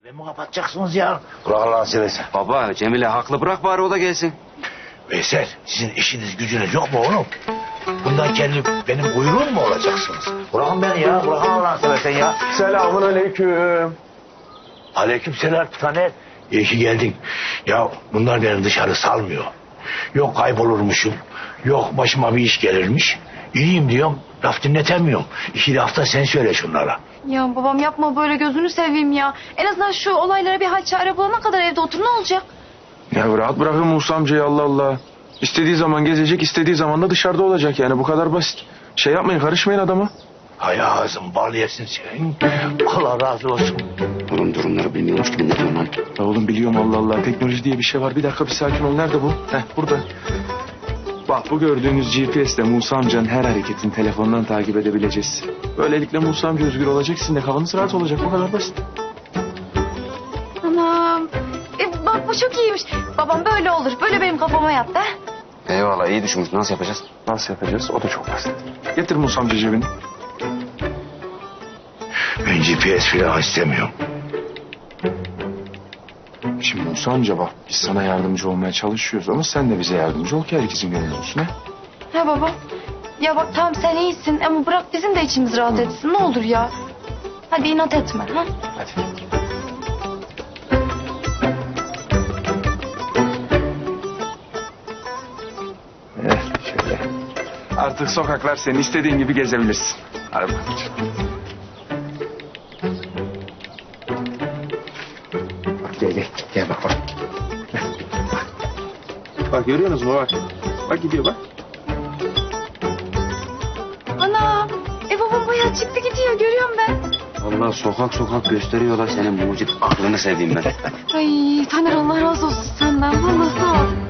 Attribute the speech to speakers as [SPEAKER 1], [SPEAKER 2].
[SPEAKER 1] Ben mi kapatacaksınız ya? Bırak Allah'ını seversen.
[SPEAKER 2] Baba Cemile haklı, bırak bari o da gelsin.
[SPEAKER 1] Veysel, sizin işiniz gücünüz yok mu oğlum? Bundan kendi benim kuyruğum mu olacaksınız? Bırakın beni ya, bırakın Allah'ını seversen ya.
[SPEAKER 3] Selamun aleyküm.
[SPEAKER 1] Aleykümselam Taner. İyi ki geldin. Ya bunlar beni dışarı salmıyor. Yok kaybolurmuşum. Yok başıma bir iş gelirmiş. İyiyim diyorum. Laf dinletemiyorum. 2 hafta sen söyle şunlara.
[SPEAKER 4] Ya babam yapma böyle, gözünü seveyim ya. En azından şu olaylara bir hal çare bulana kadar evde otur, ne olacak?
[SPEAKER 3] Ya rahat bırakın Musa amcayı, Allah Allah. İstediği zaman gezecek, istediği zaman da dışarıda olacak, yani bu kadar basit. Şey yapmayın, karışmayın adama.
[SPEAKER 1] Hay ağzım bal yesin senin. Allah razı olsun.
[SPEAKER 2] Oğlum durumları bilmiyormuş gibi ne diyorsun lan?
[SPEAKER 3] Ya oğlum biliyorum, Allah Allah, teknoloji diye bir şey var. Bir dakika, bir sakin ol. Nerede bu? Heh, burada. Bak, bu gördüğünüz GPS'le Musa amcanın her hareketini telefondan takip edebileceğiz. Böylelikle Musa amca özgür olacak, sizin de kafanız rahat olacak, bu kadar basit.
[SPEAKER 4] Anam. Bak bu çok iyiymiş. Babam böyle olur. Böyle benim kafama yattı.
[SPEAKER 2] Eyvallah, iyi düşünmüş. Nasıl yapacağız?
[SPEAKER 3] Nasıl yapacağız? O da çok basit. Getir Musa amca cebini.
[SPEAKER 1] Ben GPS falan istemiyorum.
[SPEAKER 3] Şimdi Musa amca bak, biz sana yardımcı olmaya çalışıyoruz ama sen de bize yardımcı ol ki herkesin gönlü olsun, ha?
[SPEAKER 4] Ha baba. Ya bak tamam sen iyisin ama bırak bizim de içimiz rahat etsin, ne olur ya. Hadi inat etme. Ha?
[SPEAKER 3] Hadi. Şöyle. Artık sokaklar senin istediğin gibi gezebilirsin. Hadi bakalım. Bak gel bak. Bak görüyorsunuz mu, bak. Bak gidiyor bak.
[SPEAKER 4] Ana. Babam bayağı çıktı gidiyor, görüyorum ben.
[SPEAKER 2] Vallahi sokak sokak gösteriyorlar senin mucit aklını sevdiğim ben.
[SPEAKER 4] Ay Taner, Allah razı olsun senden. Vallahi sağ ol.